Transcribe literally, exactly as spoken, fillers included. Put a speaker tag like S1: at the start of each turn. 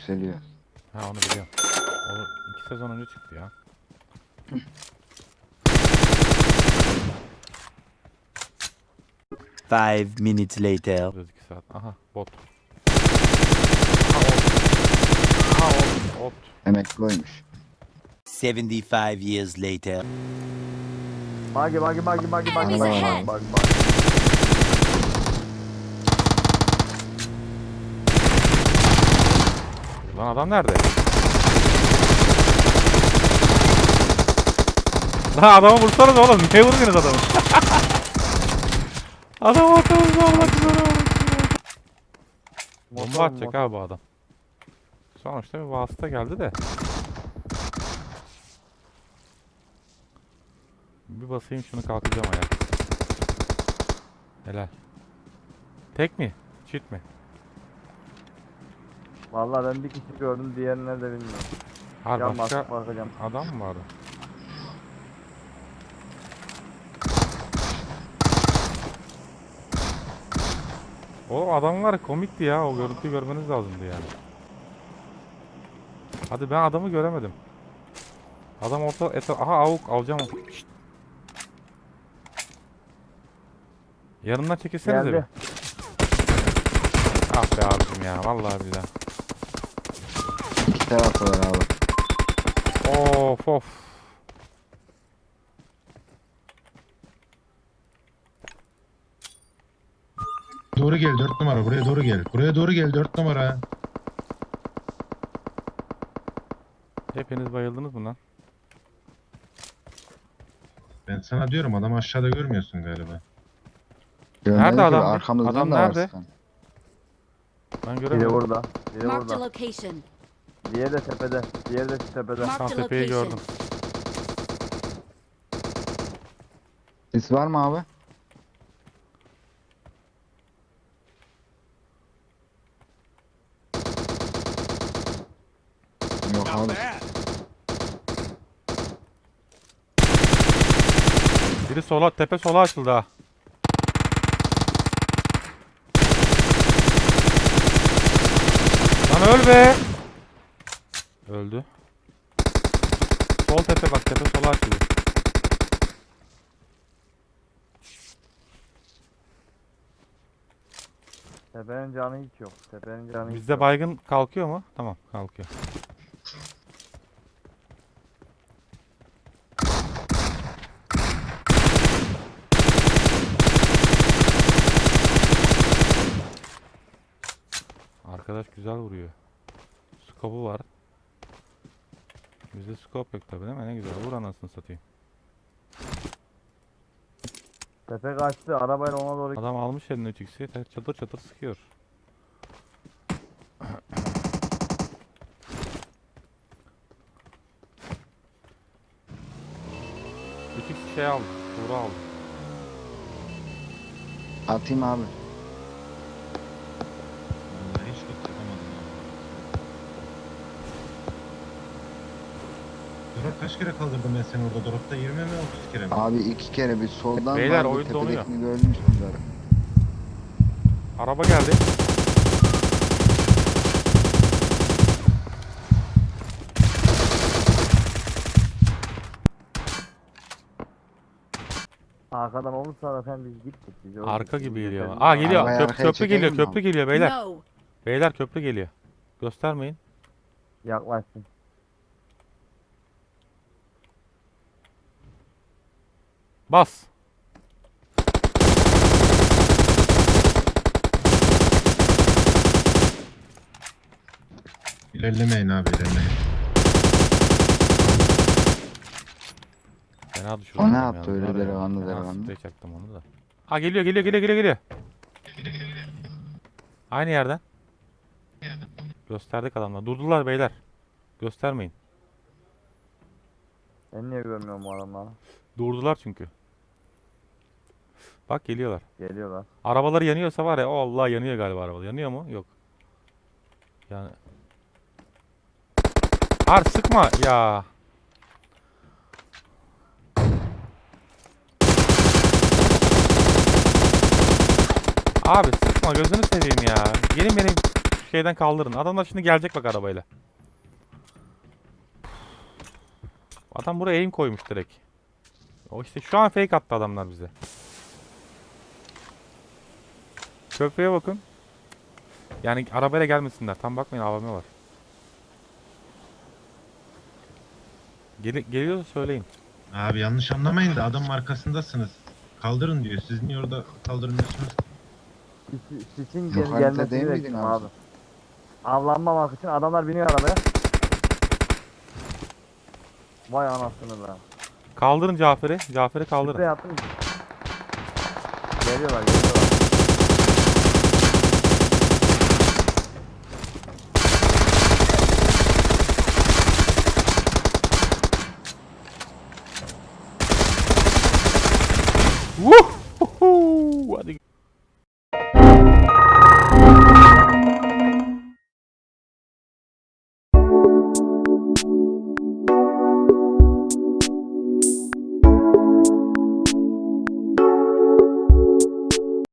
S1: yükseliyor.
S2: Ha onu biliyorum. O iki sezon önce çıktı ya.
S3: Five minutes later.
S2: Biraz iki saat. Aha bot. Aha ot. Aha ot. Ot.
S1: Emekli oymuş.
S3: Seventy-five years later.
S4: Bagi bagi bagi bagi bagi
S5: Enemies
S4: bagi
S5: ahead.
S4: bagi bagi.
S2: Lan adam nerede? Lan adamı vursanız oğlum. Niye vuruyorsunuz adamı? Adam atıyoruz Allah kızına. Bomba atacak abi bu adam. Sonuçta bir vasıta geldi de. Bir basayım şunu kalkacağım ayağa. Helal. Tek mi? Çift mi?
S4: Vallahi ben bir kişi gördüm, diğerini nerede bilmiyorum.
S2: Har
S4: Can
S2: başka
S4: basıp bakacağım.
S2: adam mı vardı? O adamlar komikti ya. O görüntüyü görmeniz lazımdı yani. Hadi ben adamı göremedim. Adam orta eta aha avuk alacağım. Şşt. Yanından çekilsenize bir.
S4: Geldi.
S2: Ah be abicim ya vallahi billahi.
S1: İki tarafı var abi.
S2: Of of.
S6: Doğru gel dört numara, buraya doğru gel. Buraya doğru gel dört numara.
S2: Hepiniz bayıldınız mı lan?
S6: Ben sana diyorum, adam aşağıda görmüyorsun galiba.
S1: Görmedik
S2: Nerede
S1: ki,
S2: adam?
S1: Arkamızdan
S2: Adam
S1: da var
S2: nerede?
S1: sıkan.
S2: Ben
S4: Biri
S2: göremedim.
S4: burada. Biri
S5: Marked a
S4: burada.
S5: location.
S4: Diğeri de tepede. Diğeri de şu tepede.
S2: Tam
S5: Marked a
S2: tepeyi
S5: location.
S2: gördüm.
S1: Sis var mı abi? Yok abi.
S2: Biri sola, tepe sola açıldı ha. Lan öl be. Öldü. Sol tepe bak, tepe sola açıldı.
S4: Tepenin canı hiç yok. Tepenin canı hiç
S2: Bizde
S4: yok.
S2: baygın kalkıyor mu? Tamam, kalkıyor. Arkadaş güzel vuruyor. Skopu var. Bizde skop yok tabi değil mi? Ne güzel. Vur anasını satayım.
S4: Tepe kaçtı. Arabayla ona doğru.
S2: Adam almış eline üç x'i. Çatır çatır sıkıyor. üç x şey aldı. Tuğra aldı.
S1: Atayım abi.
S6: Vallahi hiç çok yapamadım abi. Drop kaç kere kaldırdım ben seni orada? Dropta yirmi mi otuz kere mi?
S1: Abi iki kere bir soldan
S2: Beyler,
S1: vardı,
S2: oyun donuyor.
S1: tepedekini görmüştüm zaten.
S2: Araba geldi.
S4: Arkadan olursa zaten biz gittik. Biz öldük.
S2: Arka
S4: Biz
S2: gibi geliyor.
S4: gidelim.
S2: Aa geliyor.
S1: Arabayı
S2: Köp
S1: arkaya
S2: köprü
S1: çekelim
S2: geliyor.
S1: mi
S2: Köprü
S1: abi?
S2: geliyor beyler.
S5: No.
S2: Beyler köprü geliyor. Göstermeyin.
S4: Yaklaşsın.
S2: Bas.
S6: İlerlemeyin abi, ilerlemeyin.
S2: Fena düşürdüm.
S1: O ne
S2: yalnız
S1: yaptı öyle
S2: var ya.
S1: delikanlı
S2: Fena
S1: delikanlı?
S2: sprey çaktım onu da. Aa geliyor geliyor geliyor geliyor geliyor. Aynı yerden. Gösterdik adamlar. Durdular beyler. Göstermeyin.
S4: Ben niye görmüyorum bu adamları?
S2: Durdular çünkü. Bak geliyorlar.
S4: Geliyorlar.
S2: Arabaları yanıyorsa var ya, o Allah yanıyor galiba arabalar. Yanıyor mu? Yok. Yani. Har sıkma ya. Abi sıkma gözünü seveyim ya. Gelin benim şeyden kaldırın. Adamlar şimdi gelecek bak arabayla. Adam buraya aim koymuş direkt. O işte şu an fake attı adamlar bize. Köprüye bakın. Yani arabayla gelmesinler. Tam bakmayın, A V M var. Gel geliyorsa söyleyin.
S6: Abi yanlış anlamayın da adamın arkasındasınız. Kaldırın diyor. Siz niye orada kaldırmıyorsunuz?
S4: Sis- Sisin
S1: Yok,
S4: gel
S1: harita
S4: gelmesini
S1: değil miydin
S4: bekliyorum
S1: abi?
S4: abi. Avlanmamak için adamlar biniyor arabaya. Vay anasını be.
S2: Kaldırın Cafer'i. Cafer'i
S4: Sprey
S2: kaldırın.
S4: attım. Geliyorlar geliyorlar.
S2: Vuh!